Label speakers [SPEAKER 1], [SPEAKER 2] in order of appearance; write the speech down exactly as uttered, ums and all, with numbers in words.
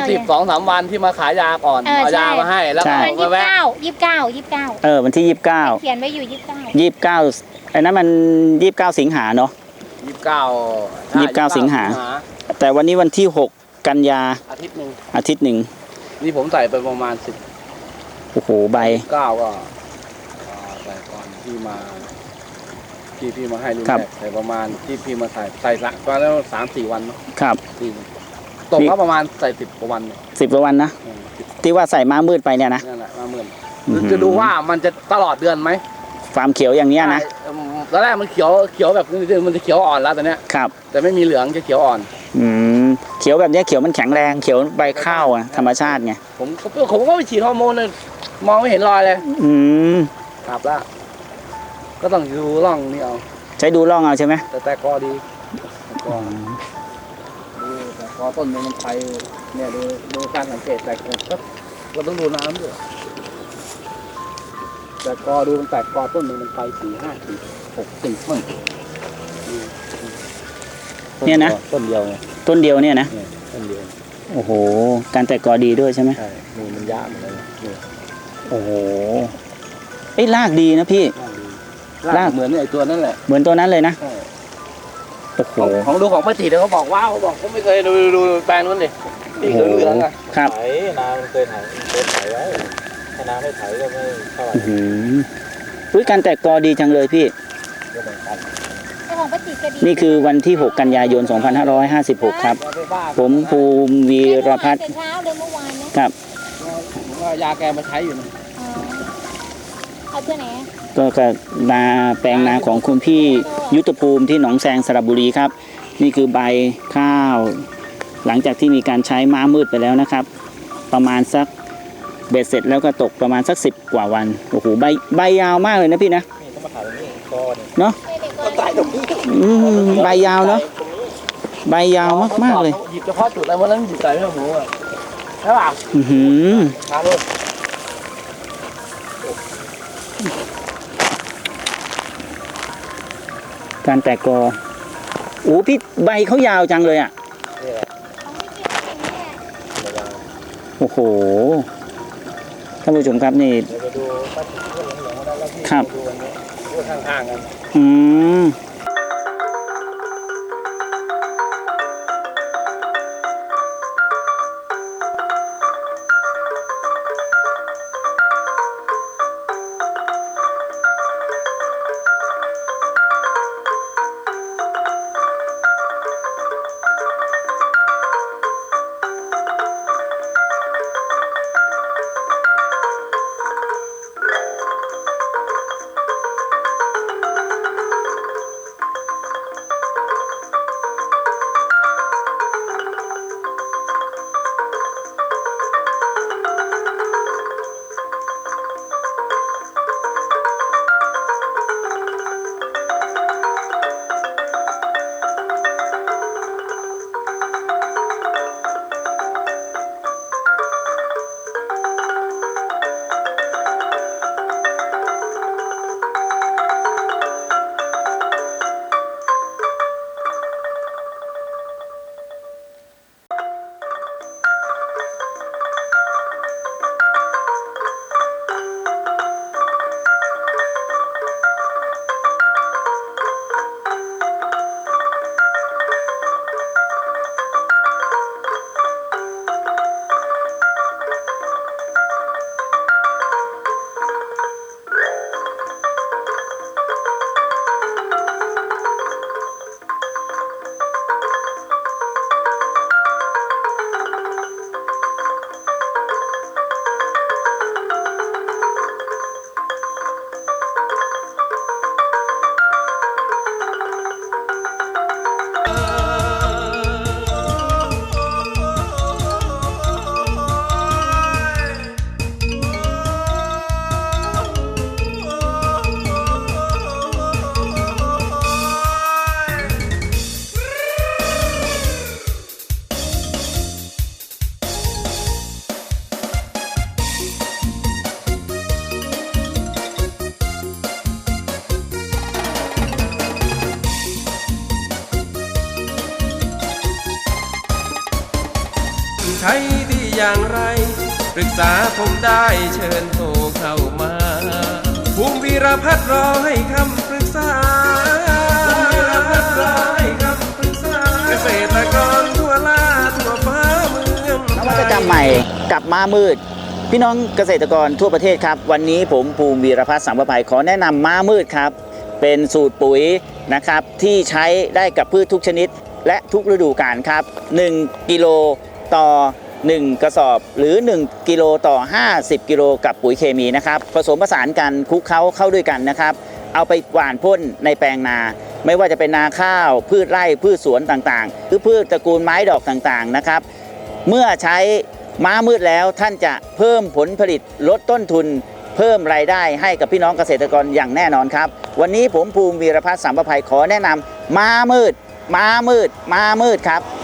[SPEAKER 1] สิบสองสามวันที่มาขายยาก่อนเอายามาให้แล้วก็
[SPEAKER 2] ยี่สิบเก้ายี่สิบเก้ายี่สิบเก้า
[SPEAKER 3] เออวันที่ยี่สิบเก้า
[SPEAKER 2] เขียนไว้อยู่ยี่สิบเก้า
[SPEAKER 3] ยี่สิบเก้าไอ้นั้นมันยี่สิบเก้าสิงหาเนาะ
[SPEAKER 1] ยี่สิบเก้า
[SPEAKER 3] ยี่สิบเก้าสิงหาแต่วันนี้วันที่หกกันยา
[SPEAKER 1] อาทิตย์หนึ่ง
[SPEAKER 3] อาทิตย์หนึ่ง
[SPEAKER 1] นี่ผมใส่ไปประมาณสิบ
[SPEAKER 3] โอ้โหใบ
[SPEAKER 1] เก้าก็ใส่ก่อนที่มาที่พี่มาให้ลุงแขกใส่ประมาณที่พี่มาใส่ใส่ละก็แล้วสามสี่วันเนาะ
[SPEAKER 3] ครับ
[SPEAKER 1] ตกก็ประมาณใส่สิบกว่าวัน
[SPEAKER 3] สิบกว่าวันนะที่ว่าใส่ม้ามืดไปเนี่ยนะ
[SPEAKER 1] นั่นแหละม้ามืดจะดูว่ามันจะตลอดเดือนไหม
[SPEAKER 3] ความเขียวอย่างเนี้ยนะ
[SPEAKER 1] ตอนแรกมันเขียวเขียวแบบมันจะเขียวอ่อนแล้วตอนเนี้ย
[SPEAKER 3] ครับ
[SPEAKER 1] แต่ไม่มีเหลืองจะเขียวอ่อน
[SPEAKER 3] อืมเขียวแบบนี้เขียวมันแข็งแรงเขียวใบข้าวอ่ะธรรมชาติไง
[SPEAKER 1] ผมผมก็ไปฉีดฮอร์โมนเลยมองไม่เห็นรอยเลย
[SPEAKER 3] อืม
[SPEAKER 1] ครับแล้วก็ต้องดูร่องนี่เอา
[SPEAKER 3] ใช้ดูร่องเอาใช่ไหม
[SPEAKER 1] แต่แต่กอดีกอดูแต่กอต้นนึงมันไปเนี่ยดูดูการสังเกตแต่ก็เราต้องดูน้ำด้วยแต่กอดูมันแตกกอต้นนึงมันไปสี่ห้าสี่หกสี่ต้น
[SPEAKER 3] เนี่ยนะ
[SPEAKER 1] ต้นเดียว
[SPEAKER 3] ต้นเดียวเนี่ยนะ
[SPEAKER 1] ต้นเดียว
[SPEAKER 3] โอ้โหการแตกกอดีด้วยใช่ไหม
[SPEAKER 1] ใช่มือมันยากเหมือนกัน
[SPEAKER 3] โอ้โหไอ้รากดีนะพี่
[SPEAKER 1] รากเหมือนไอ้ตัวนั่นแหละ
[SPEAKER 3] เหมือนตัวนั้นเลยนะโอ้โห
[SPEAKER 1] ของดูของป้าจีเขาบอกว้าวเขาบอกเขาไม่เคยดูดูแปลงนั้นเลยที่เหลืองเหลืองอ่ะ
[SPEAKER 3] ครับ
[SPEAKER 1] ไถนามันเคยไถเคยไถไว้ถ้านาไม่ไถก็ไม่เท่าไหร่
[SPEAKER 3] อุ้ยการแตกกอดีจังเลยพี่นี่คือวันที่หกกันยายนสองพันห้าร้อยห้าสิบหกครับผมภูมิวีรพัฒน์ครับ
[SPEAKER 1] ผมว่ายาแกมาใช้อยู่นะ
[SPEAKER 2] เอาเพื่อไหน
[SPEAKER 3] ก็กับนาแปลงนาของคุณพี่ยุทธภูมิที่หนองแซงสระบุรีครับนี่คือใบข้าวหลังจากที่มีการใช้ม้ามืดไปแล้วนะครับประมาณสักเบ็ดเสร็จแล้วก็ตกประมาณสักสิบกว่าวันโอ้โหใบใบยาวมากเลยนะพี่นะเนาะใบยาวเนาะใบยาวมากมากเลย
[SPEAKER 1] หยิบเฉพาะจุดอะไรวันนั้นหยิบใส่ไม่หมูอ่ะใช่ป่ะ
[SPEAKER 3] อือหือการแตกกอโอ้พี่ใบเขายาวจังเลยอ่ะโอ้โหท่านผู้ชมครับนี่ครับ
[SPEAKER 1] ข้างๆกัน
[SPEAKER 3] อืม
[SPEAKER 4] ใช้ดีอย่างไรปรึกษาผมได้เชิญโทรเข้ามาภูมิวีรพัฒน์รอให้คำปรึกษาภูมิวีรพัฒน์รอให้คำปรึกษาเกษตรกรทั่วลาทั่วฟ้าเมือง
[SPEAKER 3] นวัตกรรมใหม่กับม้ามืด พี่น้องเกษตรกรทั่วประเทศครับวันนี้ผมภูมิวีรพัฒน์สังประภัยขอแนะนำม้ามืดครับเป็นสูตรปุ๋ยนะครับที่ใช้ได้กับพืชทุกชนิดและทุกฤดูกาลครับหนึ่งกิโลต่อหนึ่งกระสอบหรือหนึ่งกิโลต่อห้าสิบกิโลกับปุ๋ยเคมีนะครับผสมผสานกันคลุกเคล้าเข้าด้วยกันนะครับเอาไปหว่านพ่นในแปลงนา ไม่ว่าจะเป็นนาข้าวพืชไร่พืชสวนต่างๆหรือพืชตระกูลไม้ดอกต่างๆนะครับเมื่อใช้ม้ามืดแล้วท่านจะเพิ่มผลผลิตลดต้นทุนเพิ่มรายได้ให้กับพี่น้องเกษตรกรอย่างแน่นอนครับวันนี้ผมภูมิวีรพัฒน์สัมประภัยขอแนะนำม้ามืดม้ามืดม้ามืดครับ